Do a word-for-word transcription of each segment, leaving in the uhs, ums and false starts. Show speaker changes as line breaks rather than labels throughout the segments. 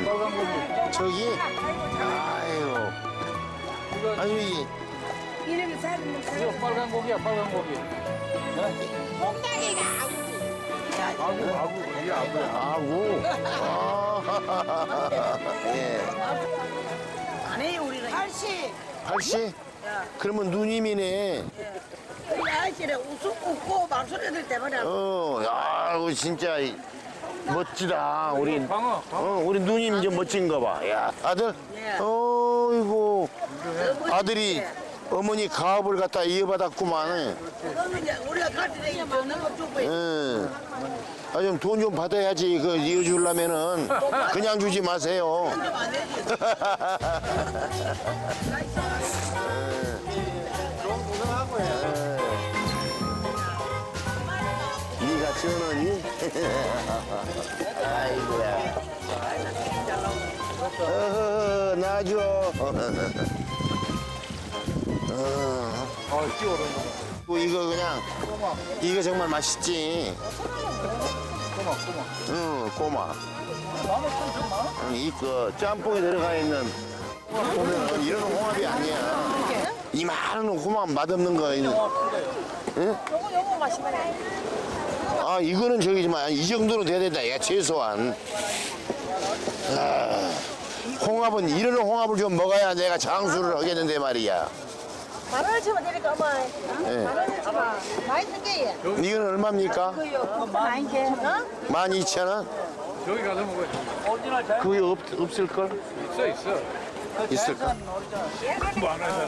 빨간 고기.
저기? 아이고.
이거,
아니, 이
이름이 사는
이거 빨간 고기야, 빨간 고기.
콩닥이가
아구, 아구, 이게 아구야.
아구. 아, 예.
안 해요 우리는. 아저씨,
팔씨? 그러면 누님이네.
우리 아저씨는 웃음 웃고 말소리 들 때마다
어, 야, 이거 진짜 이- 멋지다. 우리,
광어, 광어.
어, 우리 누님 좀 멋진 거 봐. 야, 아들?
예.
어이구. 아들이 어머니 가업을 갖다 이어받았구만.
그거는 이제 우리가 갈 때 이제 먹는 거 주고
응. 아, 좀 돈 좀 받아야지. 그 이어주려면은 그냥 주지 마세요.
안 되지.
네가 전원이? 아이고야. 어허허, 놔줘. 어,
아, 끼워오는 거.
뭐 이거 그냥,
꼬마,
이거 정말 맛있지.
꼬마, 꼬마.
응, 꼬마.
만원 좀 많아?
응, 이거 짬뽕에 들어가 있는 보면 이런 홍합이 아니야. 이 많은 홍합 맛없는 거. 응?
요거 요거 맛있네.
아, 이거는 저기지만 이 정도는 돼야 된다. 야, 최소한. 아, 홍합은 이런 홍합을 좀 먹어야 내가 장수를 하겠는데 말이야.
만 원을 치면 되니까 엄마.
예.
만 원을 치면 맛있는 게.
이건 얼마입니까?
그요. 많이 게. 어?
만 이천 원?
저기 가서 먹어야지. 오리지널 잘
그게 없, 없을걸?
있어, 있어.
있을까?
많아서.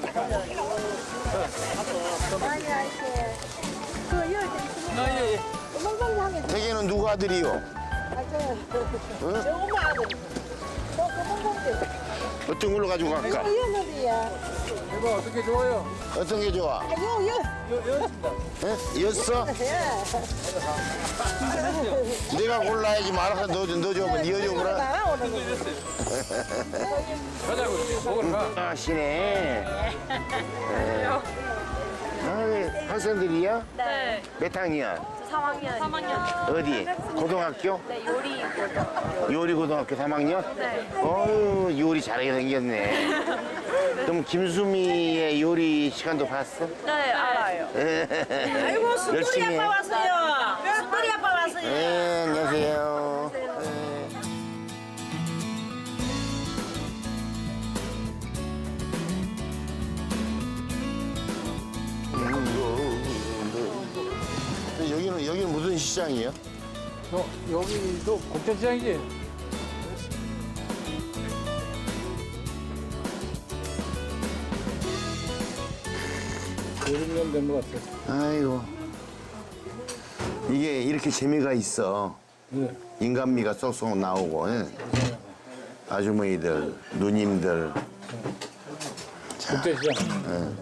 아니 아저씨. 그 여기 있으면
아, 예, 예.
멍멍하게.
대개는 누구 아들이요?
아 저. 저 엄마 아들. 저그 멍멍들.
어떤 걸로 가지고 갈까?
이었는데야.
이거 어떻게 좋아요?
어떤 게 좋아?
아, 요, 요.
여, 여습니다.
예? 였어?
예.
내가 골라야지 말아서 너, 너 줘. 니 여줘 그래?
나오는 거.
가자고, 먹으러 가.
아시네. 아, 학생들이야?
네,
몇 학년?
삼 학년. 삼 학년.
어디? 고등학교?
네, 요리.
요리 고등학교 삼 학년?
네.
어유 요리 잘하게 생겼네. 그럼 김수미의 요리 시간도 봤어?
네, 알아요.
아이고, 수돌이
열심히 해.
아빠 왔어요. 수돌이 아빠 왔어요.
네, 안녕하세요. 네. 음, 여기는 여기는 무슨 시장이에요?
저, 여기도 곡천시장이지? 여름 년 된 것 같아.
아이고 이게 이렇게 재미가 있어.
네.
인간미가 쏙쏙 나오고 예. 아주머니들, 누님들.
곡천시장.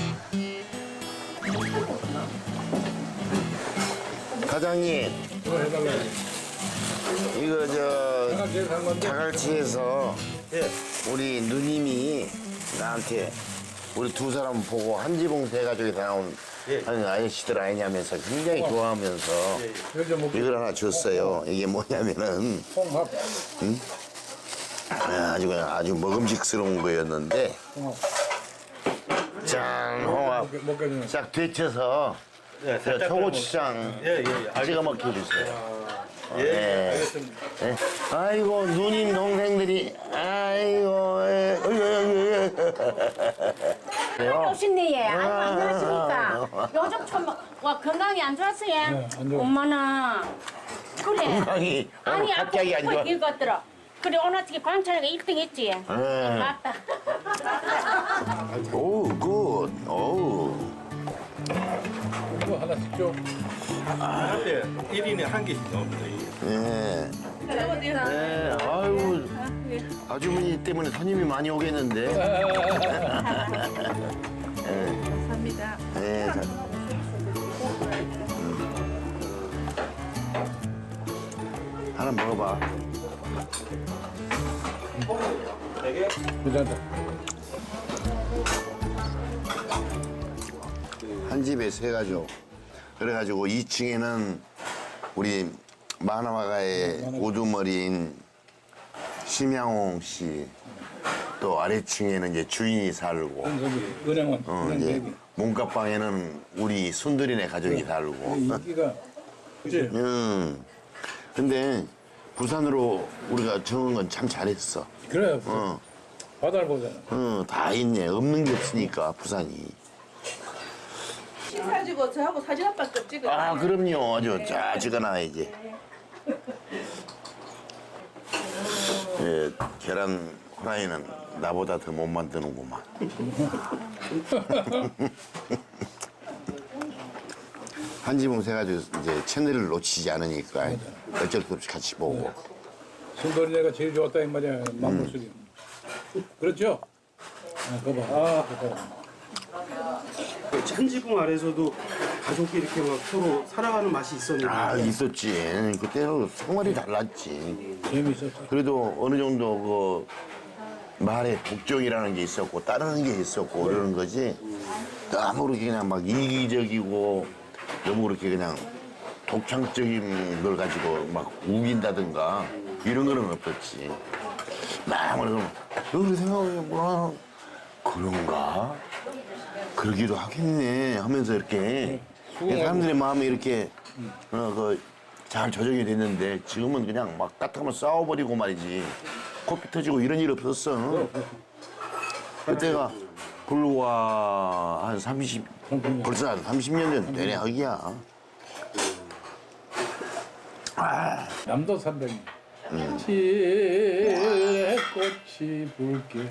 과장님
이거 해달라고.
이거 저
내가 제일 산 건데.
자갈치에서 우리 누님이 나한테 우리 두 사람 보고 한지봉 세 가족이 나온 하는 아저씨들 아니냐면서 굉장히 좋아하면서
이거 좀 먹고.
이걸 하나 줬어요. 이게 뭐냐면은
홍합.
아주 그냥 아주 먹음직스러운 거였는데 짠 홍합
먹겠네.
싹 데쳐서 저 초고추장 찍어 먹게 해주세요. 예,
알겠습니다.
예. 아이고 누님 동생들이 아이고 예. 어이, 어이, 어이, 어이.
오신네 예. 아이고 안녕하십니까. 요즘 좀 와, 건강이 안 좋았어요.
네, 안 좋아.
엄마는 그래.
건강이 오늘
아니
갑자기 안 좋아.
이것들어. 그래 오늘 어떻게 광철이가 일 등 했지.
예.
맞다.
오, 굿. 오.
이거 하나씩 줘.
한대 일 인에 한 개씩 나옵니다. 이게.
예. 네, 아유, 아주머니 때문에 손님이 많이 오겠는데. 감사합니다. 네, 자. 음. 하나 먹어봐.
괜찮다.
한 집에 세 가족. 그래가지고 이 층에는 우리 만화가의 우두머리인 심양홍 씨, 또 아래층에는 이제 주인이 살고,
저기 은행원,
어,
은행
이제
대기.
문갑방에는 우리 순들이네 가족이 살고.
인기가 그치?
음. 근데 부산으로 우리가 정한 건 참 잘했어.
그래
어,
바다를 보잖아.
어, 다 있네. 없는 게 없으니까 부산이.
사지고 저하고 사진 한 번 더 찍어.
아, 그럼요. 아주 자 찍어놔야지. 예, 계란 후라이는 나보다 더 못 만드는구만. 한지붕 세가지고 이제 채널을 놓치지 않으니까 어쩔 수 없이 같이 보고.
순돌이네가 제일 좋았다 이 말이야. 만물술이. 그렇죠? 아, 그거 봐. 아, 그거 봐.
찬지붕 아래서도 가족이 이렇게 막 서로 살아가는 맛이 있었는데
아, 있었지. 그때는 생활이 달랐지.
재미있었어.
그래도 어느 정도 그 말에 복종이라는 게 있었고 따르는 게 있었고 그러는 거지. 너무 그렇게 그냥 막 이기적이고 너무 그렇게 그냥 독창적인 걸 가지고 막 우긴다든가 이런 거는 없었지. 막 그래서 여기 생각해보구나. 그런가? 그러기도 하겠네 하면서 이렇게 사람들의 마음이 이렇게 어, 그 잘 조정이 됐는데 지금은 그냥 막 까딱하면 싸워버리고 말이지. 코피 터지고 이런 일 없었어. 그때가 불과 한 삼십, 벌써 한 삼십 년 전 되네 하기야.
남도 삼백리. 칠해 꽃이 붉게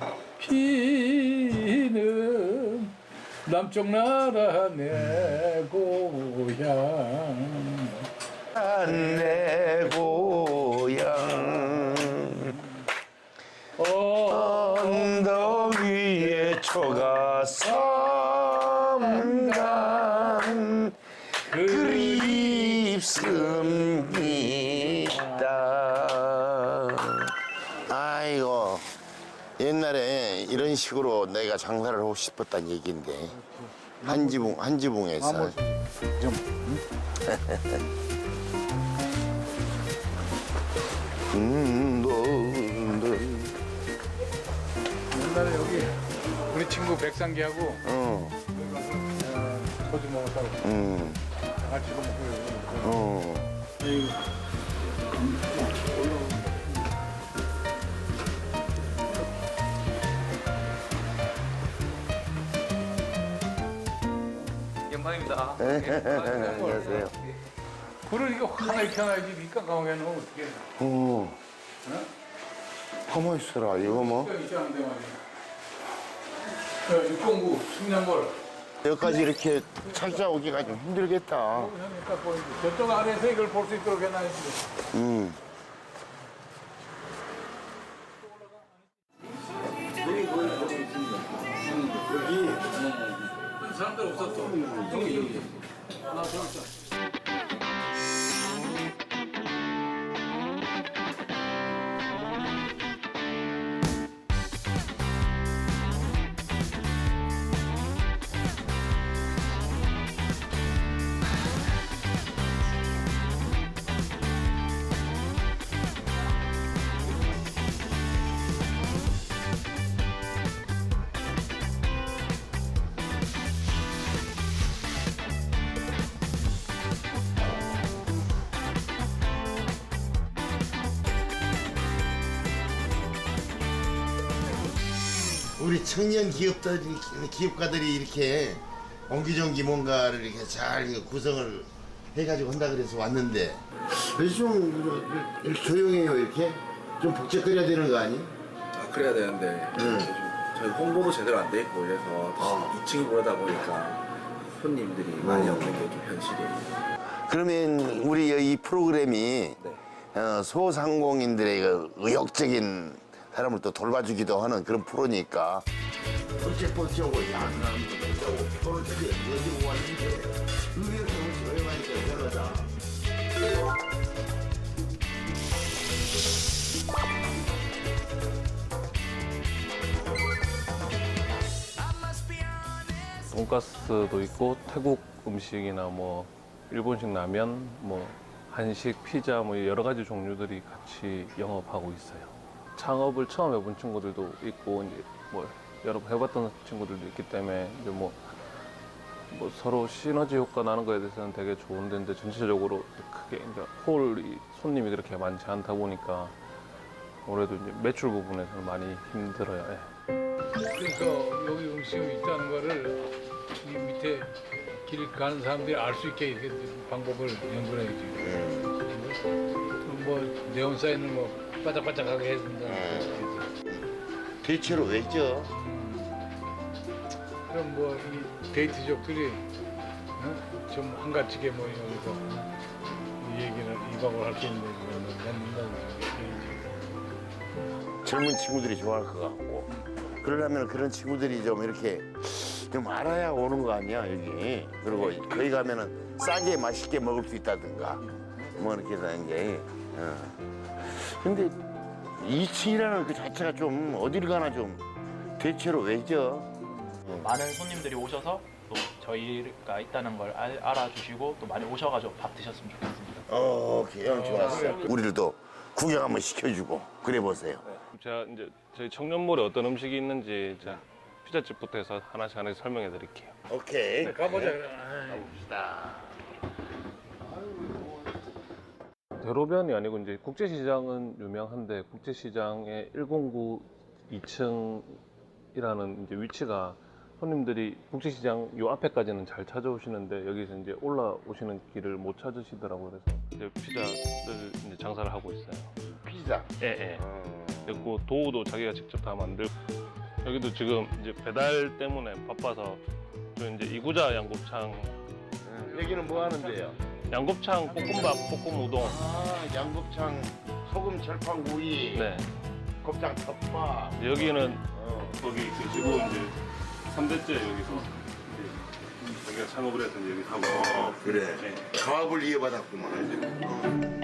피는 남쪽 나라 내 고향.
내 고향 언덕 위에 초가 삼간 그립습니다. 아이고 옛날에 이런 식으로 내가 장사를 하고 싶었단 얘기인데 한지붕 한지붕에서 음, 너, 너.
옛날에 여기 우리 친구 백상기하고
어,
여기 가서 어, 소주 먹었다고
음,
다 같이 이거 먹고 여기 먹고.
어.
영광입니다.
안녕하세요.
불을 이거 하나 익혀놔야지 밑간 가오게 놓으면 어떻게 해.
어. 가만 있어라, 이거 뭐.
입장인데 말이야. 야, 육공구, 숙련골.
여기까지 이렇게 찾아오기가 좀 힘들겠다.
형이 딱 보이지. 저쪽 아래에서 이걸 볼 수 있도록 해놔야지.
음.
사람들 없었어. 여기, 여기. 하나 더 있어.
우리 청년 기업들이, 기업가들이 이렇게 옹기종기 뭔가를 이렇게 잘 구성을 해가지고 한다 그래서 왔는데 왜 좀 이렇게 조용해요 이렇게? 좀 복잡거려야 되는 거 아니?
아, 그래야 되는데
응.
저희 홍보도 제대로 안 돼 있고 이래서
어.
이 층이 보다 보니까 손님들이 많이
음.
없는 게 좀 현실이에요.
그러면 우리 이 프로그램이
네.
어, 소상공인들의 그 의욕적인 사람을 또 돌봐주기도 하는 그런 프로니까 어째 버텨고 야근하는 것도 있고 서로 저기 여기 왔는데 의외로 조용하니까 편하다.
돈가스도 있고 태국 음식이나 뭐 일본식 라면, 뭐 한식, 피자 뭐 여러 가지 종류들이 같이 영업하고 있어요. 창업을 처음 해본 친구들도 있고 이제 뭐 여러 번 해봤던 친구들도 있기 때문에 이제 뭐, 뭐 서로 시너지 효과 나는 거에 대해서는 되게 좋은데 이제 전체적으로 크게 그러니까 홀이 손님이 그렇게 많지 않다 보니까 올해도 이제 매출 부분에서는 많이 힘들어요. 예.
그러니까 여기 음식이 있다는 거를 이 밑에 길 가는 사람들이 알 수 있게 이렇게 방법을 연구해야지. 뭐 네온 사인을 뭐 바짝바짝하게 해준다.
대체로 왜죠?
그럼 뭐 이 데이트족들이 어? 좀 한가지게 뭐 여기서 이 얘기를 이박을 할 수 있는 데는
젊은 친구들이 좋아할 것 같고 그러려면 그런 친구들이 좀 이렇게 좀 알아야 오는 거 아니야 여기. 그리고 거기 가면은 싸게 맛있게 먹을 수 있다든가 뭐 이렇게 되는 게. 어. 근데 이 층이라는 그 자체가 좀 어딜 가나 좀 대체로 왜죠?
많은 손님들이 오셔서 또 저희가 있다는 걸 알, 알아주시고 또 많이 오셔가지고 밥 드셨으면 좋겠습니다.
어, 개영 좋았어. 우리들도 구경 한번 시켜주고 그래 보세요.
제가 이제 저희 청년몰에 어떤 음식이 있는지 제가 피자집부터 해서 하나씩 하나씩 설명해 드릴게요.
오케이.
가보자.
가봅시다.
대로변이 아니고 이제 국제시장은 유명한데 국제시장의 일공구 이 층이라는 이제 위치가 손님들이 국제시장 요 앞에까지는 잘 찾아오시는데 여기서 이제 올라오시는 길을 못 찾으시더라고요. 그래서 이제 피자를 이제 장사를 하고 있어요.
피자.
예, 예. 그리고 도우도 자기가 직접 다 만들고 여기도 지금 이제 배달 때문에 바빠서 저 이제 이구자 양곱창
여기는 뭐 하는데요?
양곱창 볶음밥 볶음 우동.
아, 양곱창 소금 철판구이.
네.
곱창 덮밥.
여기는
어.
거기 계시고 이제 삼 대째 여기서 이제 자기가 창업을 해서 이제 여기 하고.
어, 그래.
네.
가업을 이어받았구만. 어.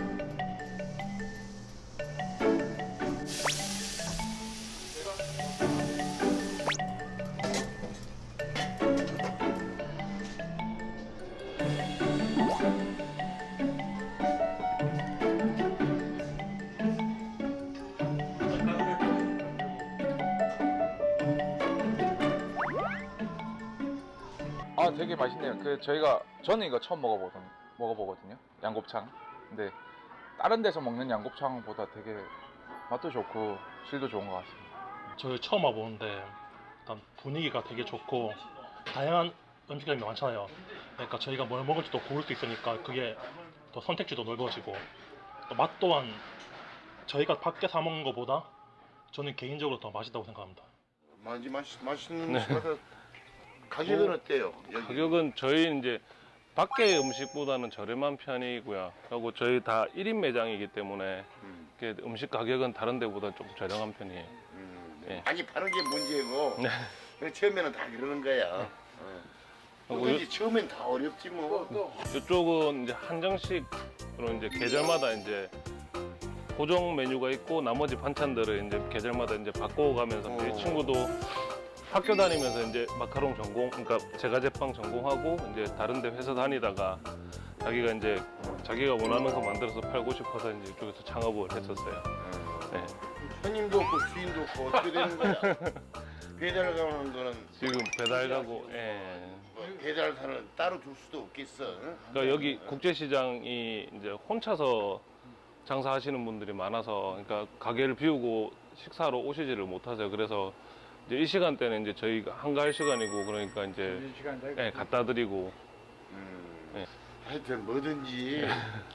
아, 되게 맛있네요. 그 저희가 저는 이거 처음 먹어보던 먹어보거든요. 양곱창. 근데 다른 데서 먹는 양곱창보다 되게 맛도 좋고 질도 좋은 것 같습니다.
저희 처음 와보는데 일단 분위기가 되게 좋고 다양한 음식점이 많잖아요. 그러니까 저희가 뭘 먹을지도 고를 수 있으니까 그게 더 선택지도 넓어지고 또 맛 또한 저희가 밖에 사 먹는 것보다 저는 개인적으로 더 맛있다고 생각합니다.
많이 맛있 맛있는 음식마다 가격은
뭐,
어때요? 여기?
가격은 저희 이제 밖에 음식보다는 저렴한 편이고요. 그리고 저희 다 일 인 매장이기 때문에
음.
이렇게 음식 가격은 다른 데보다 좀 저렴한 편이에요.
음,
네.
많이 파는 게 문제고
네.
그래, 처음에는 다 그러는 거야.
그리고
뭐든지 처음엔 다 어렵지 뭐.
이쪽은 이제 한정식으로 이제 계절마다 이제 고정 메뉴가 있고 나머지 반찬들을 이제 계절마다 이제 바꿔가면서
어.
이 친구도 학교 다니면서 이제 마카롱 전공, 그러니까 제과제빵 전공하고 이제 다른데 회사 다니다가 자기가 이제 자기가 원하는 거 만들어서 팔고 싶어서 이제 이쪽에서 창업을 했었어요. 네.
손님도 없고 주인도 없고 어떻게 되는 거야? 배달 가는 거는
지금 배달 가고, 예.
뭐 배달사는 따로 둘 수도 없겠어. 응?
그러니까 여기 국제시장이 이제 혼자서 장사하시는 분들이 많아서, 그러니까 가게를 비우고 식사로 오시지를 못하세요. 그래서 이제 이 시간대는 이제 저희가 한가할 시간이고, 그러니까 이제 예, 갖다 드리고.
음,
예.
하여튼 뭐든지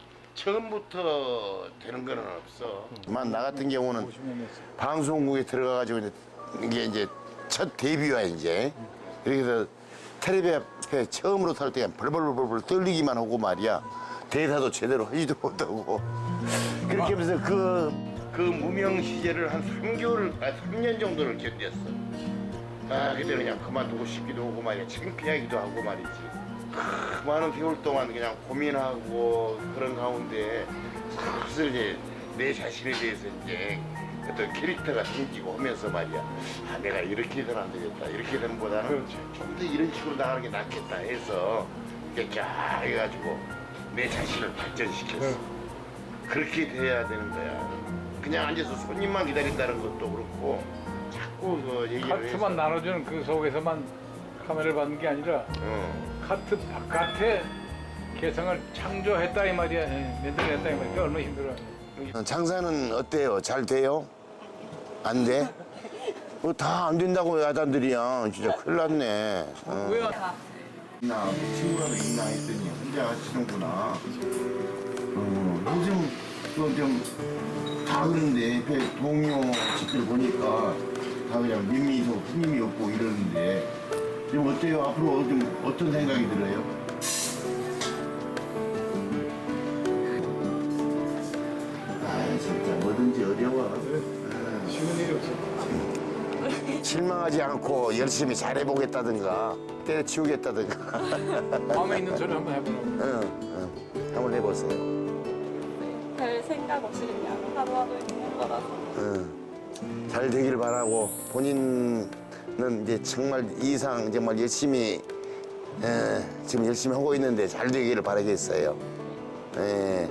처음부터 되는 건 없어. 만 나 같은 경우는 방송국에 들어가가지고 이제 이게 이제 첫 데뷔야 이제. 그래서 텔레비 앞에 처음으로 설 때 벌벌벌벌 떨리기만 하고 말이야. 대사도 제대로 하지도 못하고. 그렇게 하면서 그, 그 무명 시절을 한 삼 개월, 아, 삼 년 정도를 견뎠어. 아, 그때 그냥 그만두고 싶기도 하고 말이야. 창피하기도 하고 말이지. 그 많은 세월 동안 그냥 고민하고 그런 가운데 슬슬 이제 내 자신에 대해서 이제 어떤 캐릭터가 생기고 하면서 말이야. 아, 내가 이렇게 해서는 안 되겠다. 이렇게 되는 보다는 좀 더 이런 식으로 나가는 게 낫겠다 해서 이렇게 쫙 해가지고 내 자신을 발전시켰어. 그렇게 돼야 되는 거야. 그냥 앉아서 손님만 기다린다는 것도 그렇고 자꾸 그 얘기를
카트만 나눠주는 그 속에서만 카메라를 받는 게 아니라
어.
카트 바깥에 개성을 창조했다 이 말이야. 예, 만들어냈다 이 말이야. 그게 얼마나 힘들어.
어, 장사는 어때요? 잘 돼요? 안 돼? 뭐 다 안 된다고 야단들이야. 진짜 큰일 났네. 어.
왜?
나 친구라도 있나 했더니 혼자 하시는구나. 어, 요즘 좀다 그런데 그 동료 집들 보니까 다 그냥 민미소 후임이 없고 이러는데 지금 어때요? 앞으로 좀 어떤 생각이 들어요? 아 진짜 뭐든지 어려워.
쉬운 일이 없어.
실망하지 않고 열심히 잘해보겠다든가 때려치우겠다든가.
마음에 있는 소리 한번 해보라고.
응, 응. 한번 해보세요.
별 생각 없이 그냥 하루하루 있는 거라서.
응. 잘 되길 바라고 본인은 이제 정말 이상 정말 열심히 에, 지금 열심히 하고 있는데 잘 되기를 바라겠어요. 예.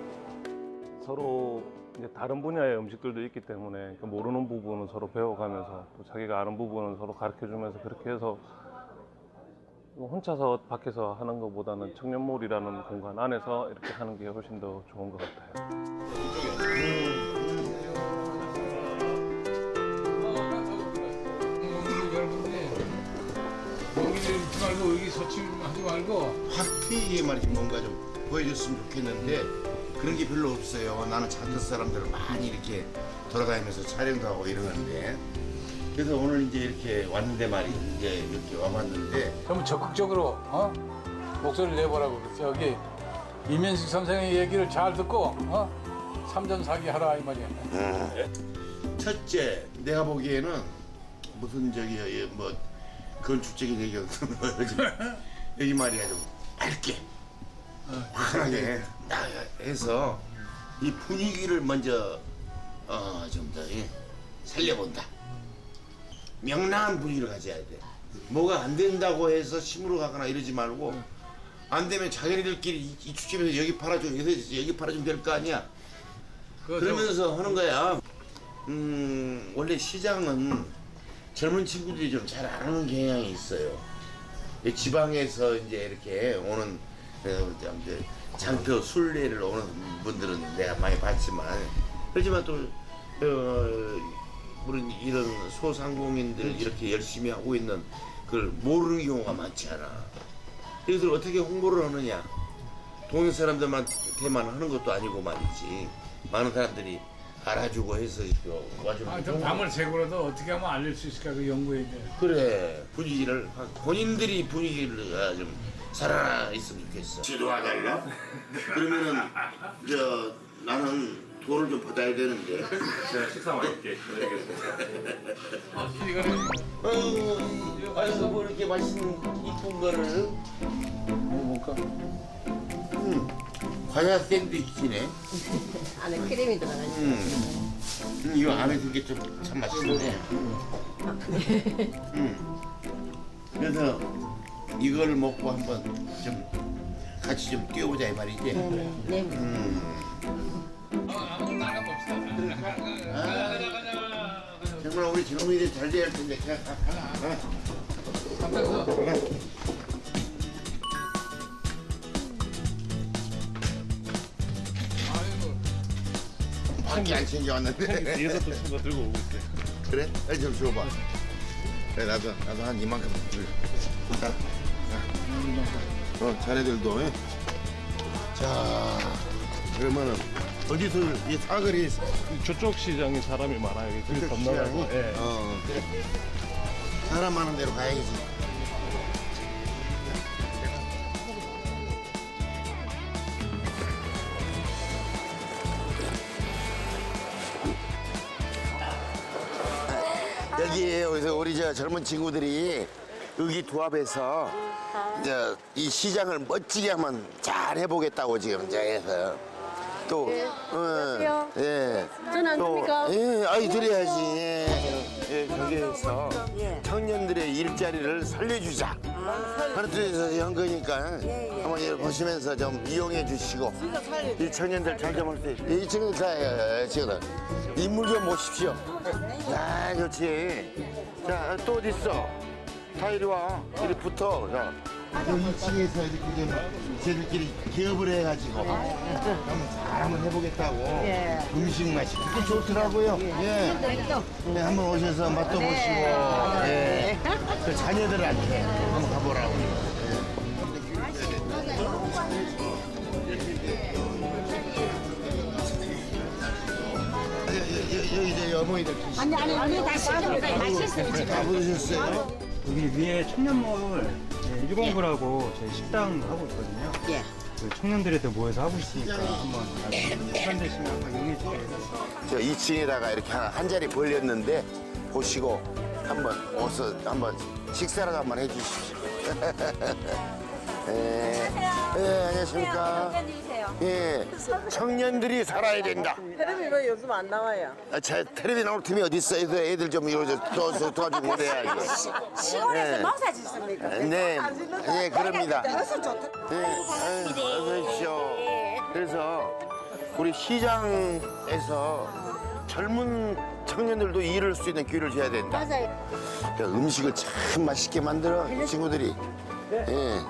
서로 이제 다른 분야의 음식들도 있기 때문에 그 모르는 부분은 서로 배워가면서 또 자기가 아는 부분은 서로 가르쳐주면서 그렇게 해서 혼자서 밖에서 하는 것보다는 청년몰이라는 공간 안에서 이렇게 하는 게 훨씬 더 좋은 것 같아요.
여기를 잊지 말고 여기 서침하지 말고
확 말이지 뭔가 좀 보여줬으면 좋겠는데 그런 게 별로 없어요. 나는 차트 사람들을 많이 이렇게 돌아다니면서 촬영도 하고 이러는데 그래서 오늘 이제 이렇게 왔는데 말이지 이제 이렇게 와봤는데
좀 적극적으로 어? 목소리를 내보라고 그랬어. 여기 이면식 선생의 얘기를 잘 듣고 어? 삼전사기 하라 이 말이야.
음. 첫째 내가 보기에는 무슨 저기 뭐 건축적인 얘기가 여기 말이야 좀 밝게 환하게 해서 이 분위기를 먼저 어, 좀 더 살려본다. 명랑한 분위기를 가져야 돼. 뭐가 안 된다고 해서 심으로 가거나 이러지 말고 안 되면 자기네들끼리 이, 이 축제에서 여기 팔아줘, 여기서 여기 팔아주면 될 거 아니야. 그러면서 하는 거야. 음, 원래 시장은 젊은 친구들이 좀 잘 안 오는 경향이 있어요. 지방에서 이제 이렇게 오는 이제 장터 순례를 오는 분들은 내가 많이 봤지만 그렇지만 또 어, 우리 이런 소상공인들 이렇게 열심히 하고 있는 그걸 모르는 경우가 많지 않아. 이것을 어떻게 홍보를 하느냐? 동네 사람들한테만 하는 것도 아니고 말이지. 많은 사람들이 알아주고 해서 와주는
아, 좀 밤을 새고라도 어떻게 하면 알릴 수 있을까 그 연구해야 돼.
그래 분위기를 본인들이 분위기를 좀 살아 있으면 좋겠어. 지도하달라? 그러면은 저 나는 돈을 좀 받아야 되는데.
제가 식사 맛있게
어, 아이고 뭐 이렇게 맛있는 이쁜 거를 먹어볼까? 음, 과자 샌드위치네.
안에 크림이 들어가지.
음, 음, 이거 안에 든 게 좀 참 맛있네. 음, 그래서 이걸 먹고 한번 좀 같이 좀 뛰어보자 이 말이지.
네. 네.
음. 아, 정말 우리 젊은이들 잘 돼야 할 텐데. 가, 가, 가. 가. 가. 밖에 안 챙겨왔는데.
뒤에서 또 친구가 들고 오고 있어요.
그래? 빨리 좀 줘봐. 그래 나도 나도 한 이만큼 들. 자, 자. 어 자네들도. 예? 자 그러면은 어디서 이 사거리
저쪽 시장에 사람이 많아요. 길 건너가고. 예.
어 그래. 사람 많은 데로 가야지. 여기 여기서 우리 저 젊은 친구들이 의기투합해서 이제 이 시장을 멋지게 한번 잘 해보겠다고 지금 이제 해서 또, 어,
안녕하세요.
예.
전화 안
또,
됩니까?
예, 아이, 드려야지. 예. 예, 거기에서
예.
청년들의 일자리를 살려주자. 하는 뜻에서 한 거니까 한번 예, 보시면서 좀 이용해 주시고 이 청년들 잘 좀 할 수 있어요. 이 친구들 다 지금 인물 좀 보십시오. 아, 좋지. 자, 또 어디 있어? 다 이리 와. 이리 붙어. 자. 이 층에서 이렇게 좀 저희들끼리 기업을 해가지고 한번 잘 한번 해보겠다고 음식 맛이 그렇게 좋더라고요. 예. 네, 한번 오셔서 맛도 보시고 예. 그 자녀들한테 한번 가보라고. 예. 여기 이제 어머니들 계시죠?
아니 아니 우리 다 시켰는데 맛있어요 지금.
다 부르셨어요?
여기 위에 청년몰 일공구라고 저희 식당 하고 있거든요.
예.
그 청년들에도 모여서 하고 있으니까 한번 시간 되시면 한번 이용해 주세요.
저 이 층에다가 이렇게 한, 한 자리 벌렸는데 보시고 한번 어서 한번 식사를 한번 해주십시오. 예. 예, 안녕하십니까. 예, 청년들이 살아야 된다.
텔레비 왜 요즘 안 나와요?
아, 제 텔레비 나올 팀이 어디 있어? 애들, 애들 좀 이거 좀 도와주, 도와주고 그래야지.
시골에서
네.
농사 짓습니까?
네, 예, 그럽니다.
그래서 좋다.
네, 아유, 어서 오십시오. 그래서 우리 시장에서 젊은 청년들도 일할 수 있는 기회를 줘야 된다.
맞아요.
그러니까 음식을 참 맛있게 만들어 이 친구들이. 예.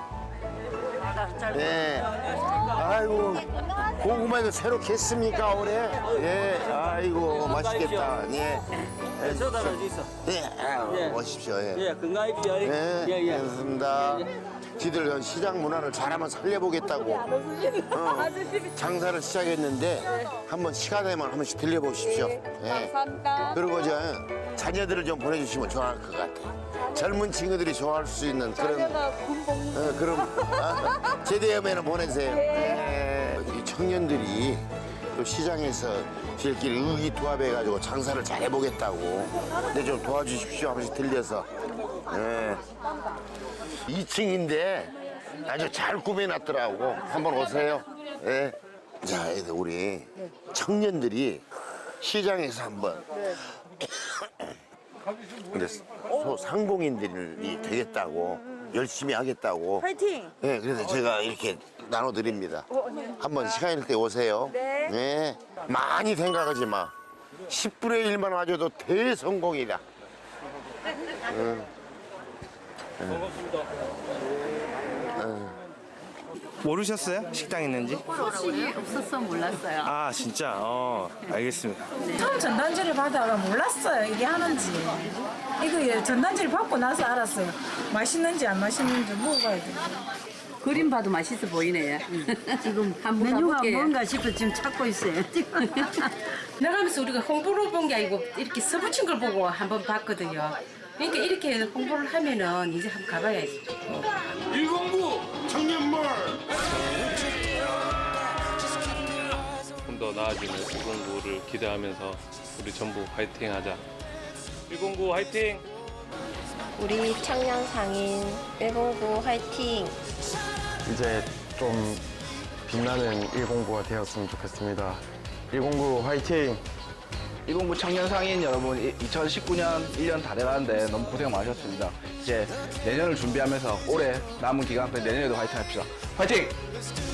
예. 아이고 고구마 이거 새로 캤습니까 올해? 예. 아이고 맛있겠다. 예. 예.
저다 어디 있어?
예. 아유,
예.
오십시오. 예.
예, 건강히 비어.
예.
예, 예.
알겠습니다. 지들 시장 문화를 잘 한번 살려보겠다고 어, 장사를 시작했는데 한번 시간 되면 한 번씩 들려보십시오. 예.
감사합니다.
그리고 저 자녀들을 좀 보내주시면 좋아할 것 같아. 젊은 친구들이 좋아할 수 있는 그런 어, 그런 아, 제대하면 보내세요. 예. 이 청년들이 또 시장에서 저희끼리 의기투합해가지고 장사를 잘 해보겠다고 근데 좀 도와주십시오. 한 번씩 들려서. 예. 이 층인데 아주 잘 꾸며놨더라고. 한번 오세요. 예. 자, 애들 우리 청년들이 시장에서 한번 근데 소 상봉인들이 되겠다고 열심히 하겠다고.
파이팅!
예, 그래서 제가 이렇게 나눠드립니다. 한번 시간 있을 때 오세요.
네.
예. 많이 생각하지 마. 십분의 일만 와줘도 대성공이다. 응.
반갑습니다.
모르셨어요? 식당 있는지?
소식이 없어서 몰랐어요.
아 진짜? 어 알겠습니다.
처음 전단지를 받아가 몰랐어요. 이게 하는지. 이거 전단지를 받고 나서 알았어요. 맛있는지 안 맛있는지 먹어봐야 돼.
그림 봐도 맛있어 보이네. 지금 한번 메뉴가 뭔가 싶어 지금 찾고 있어요.
나가면서 우리가 홍보를 본 게 아니고 이렇게 써붙인 걸 보고 한번 봤거든요. 그러니까 이렇게 홍보를 하면은 이제 한번 가봐야지.
일공구 청년몰.
좀 더 나아지는 일공구를 기대하면서 우리 전부 화이팅하자. 일공구 화이팅!
우리 청년 상인 일공구 화이팅!
이제 좀 빛나는 일공구가 되었으면 좋겠습니다. 일공구 화이팅!
일공구 청년 상인 여러분, 이천십구 년 일 년 다 돼가는데 너무 고생 많으셨습니다. 이제 내년을 준비하면서 올해 남은 기간 동안 내년에도 화이팅 합시다. 화이팅!